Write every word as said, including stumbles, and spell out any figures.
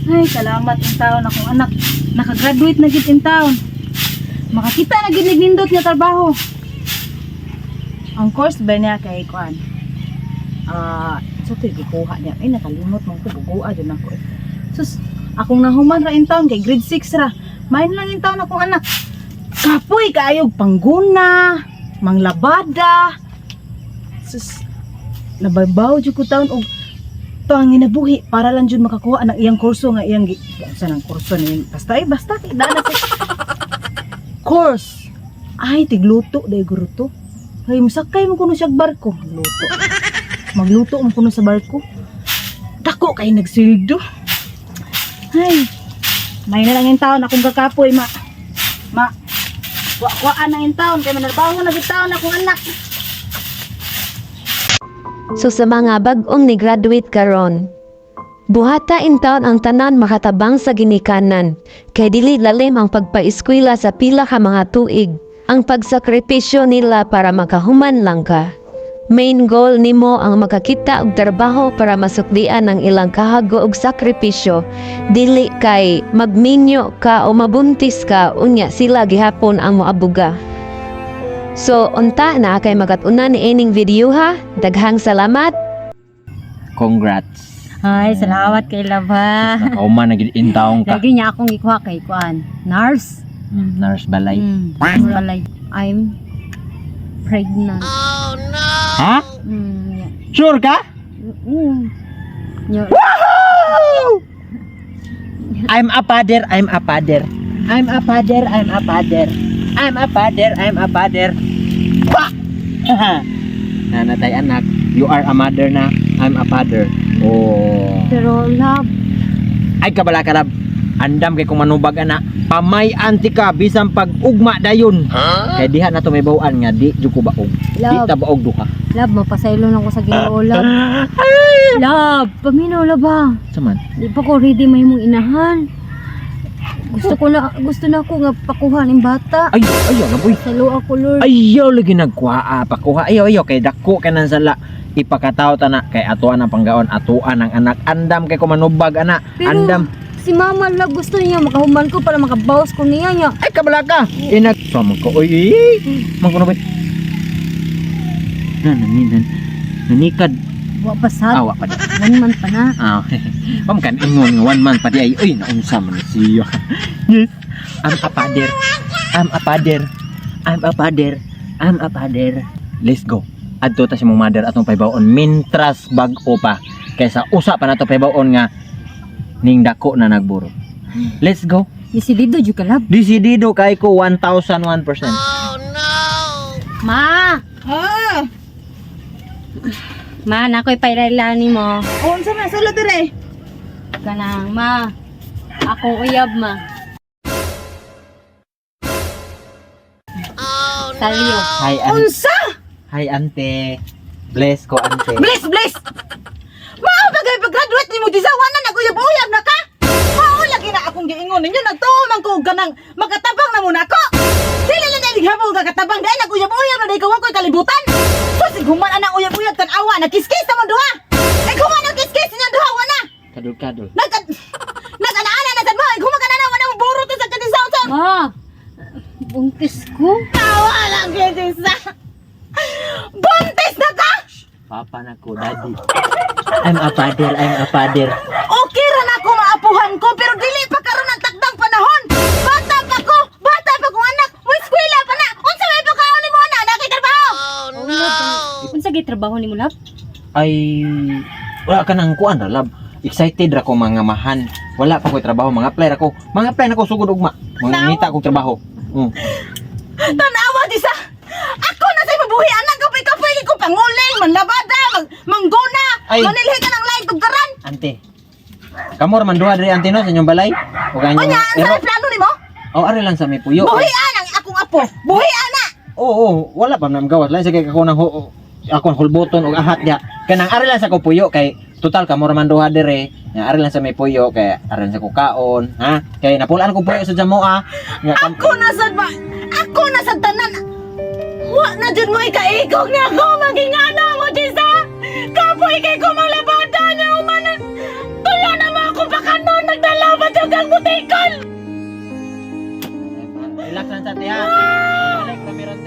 Ay, salamat in taon akong anak. Nakagraduate na gid in taon. Makakita na gid nindot nga trabaho. Ang course ba niya kay kuan? Ah, uh, so to gikuha niya. Ay nakalimot man ko bugua jud ako. Eh. Sus, akong nahuman ra in taon kay grade six ra. Main lang in taon akong anak. Kapoy kaayog pangguna, manglabada. Sus, nababaw jud ko taon og to ang ginabuhi para lang jud makakuha ang iyang kurso nga iyang sa nang kurso ni basta ay basta dana sa course. Ay tigluto day guro to. Ay musakay mo kuno siya barko, luto. Magluto mo kuno sa barko. Dako kay nagsildo. Ay. May na lang yung taon akong kakapoy ma. Ma. Wa-waan na yung taon kay manarbaho na yung taon akong anak. So sa mga bag-ong ni-graduate karon, buhata in taon ang tanan makatabang sa ginikanan, kay dili lalim ang pagpaeskwela sa pila ka mga tuig, ang pagsakripisyo nila para makahuman lang ka. Main goal nimo ang makakita og trabaho para masuklian ang ilang kahago og sakripisyo, dili kay magminyo ka o mabuntis ka unya sila gihapon ang moabuga. So, unta na kay magat-una ni ining video ha. Daghang salamat. Congrats. Ay, salamat kay Laba. Nakauman na gid in taong ka. Lagi niya akong ikuha kay kuan. Nurse. Mm, nurse balay. Mm, nurse balay. I'm pregnant. Ha? Mm, yeah. Sure ka? Mm. Yeah. Woohoo! I'm a father, I'm a father. I'm a father, I'm a father. I'm a father, I'm a father. Wah! Nanatay anak, you are a mother na. I'm a father. Oh. Pero love, Ay kabala ka lab. Andam kay kung manubag ana. Pamay anti ka bisan pag ugma dayon. Huh? Kay diha na to may bawaan nga di jud ko baog. Di Love. ta baog duha. love, mapasaylo na ko sa Ginoo, love. Love, paminaw love ba? Saman. Di pa ko ready may mong inahan. Gusto ko na, gusto na ako nga pakuha ng bata. Ay, ayaw na boy. Salo ako, Lord. Ayaw lagi nagkuha pakuha. Ayaw ayaw kay dako ka nang sala. Ipakataw ta na kay atuan ang panggaon, atuan ang anak. Andam kay ko manubag ana. Pero Andam. si mama love gusto niya makahuman ko para makabawas ko niya niya. Ay kabala ka. Inag sama ko. Oy. Mangkuno boy. Nan nan nanikad. Wa pasad. Awa pa. One month pa na. Ah, pam kan ingon one man pa di ay oy naunsa man siya. Yes. I'm a father. I'm a father. I'm a father. I'm a father. Let's go. Adto ta si mong mother atong paybaon mintras bag-o pa kaysa usa pa nato paybaon nga ning dako na nagburo. Let's go. Desidido jud ka love. Desidido kay ko one thousand one percent. Ma, Ah, ma nakoy pailailani mo. oh, unsa na sala dire? Kanang ma. Ako uyab ma. Oh, Salyo. Hi ante. Unsa? Hi ante. Bless ko ante. Bless, bless. Mao bagay pag-graduate nimo di sa wana naguyab-uyab na ka. Mao lagi na akong giingon ninyo nagtuman ko ganang magatabang na muna ko. Dili na dili habo gagatabang dai naguyab-uyab na dai kawan ko kalibutan. Sus guman ana uyab-uyab tan awa na kiskis na mo duha. Ay guman na kiskis niya duha wana. Kadul-kadul. Nag Nag-ana na sad mo. Ay guman ka na wana mo buro to sa kadisaw sa. Ma. Buntis ko. Tawa lang kidisa. Buntis na ka. Papa na ko, daddy. I'm a father, I'm a father. Okay ra na ako maapuhan ko pero dili pa karon ang takdang panahon. Bata pa ko, bata pa kong anak. May eskwela pa na. Unsa may pagkaon nimo ana? Nakay trabaho. Oh no. Unsa gay trabaho nimo love? Ay, wala ka nang kuan ra, love. Excited ra ko mga mahan. Wala pa ko trabaho, mga apply ra ko. Mga apply na ko sugod ugma. Mga ngita kong trabaho. Mm. Tanawa di sa. Ako na say mabuhi anak ko kapoy ko panguling, manlabada, mag mangguna. Ay. Manilhi ka ng lain tugkaran. Ante. Kamo ra man duha diri ante no sa inyong balay. O kanyo. Unya, ang sa plano nimo? Oh, ari lang sa may puyo. Buhi ang akong apo. Buhi ana. Oo, oh, wala pa nam gawas lang sa kay ako nang ho, ako hulboton og ahat dia. Kanang ari lang sa ko puyo kay total kamo ra man duha diri. Nga ari lang sa may puyo kay ari lang sa ko kaon, ha? Kay napulaan ko puyo sa jamo ah. Nga kam Ako na sad ba? Ako na sad tanan. Wa na jud mo ikaigog na ako maging ano mo disa. Kapoy kay ko manglabada na umanan. Tula na mo ako baka noon nagdala Dang butikon! Relax lang sa tiha. Balik kami ron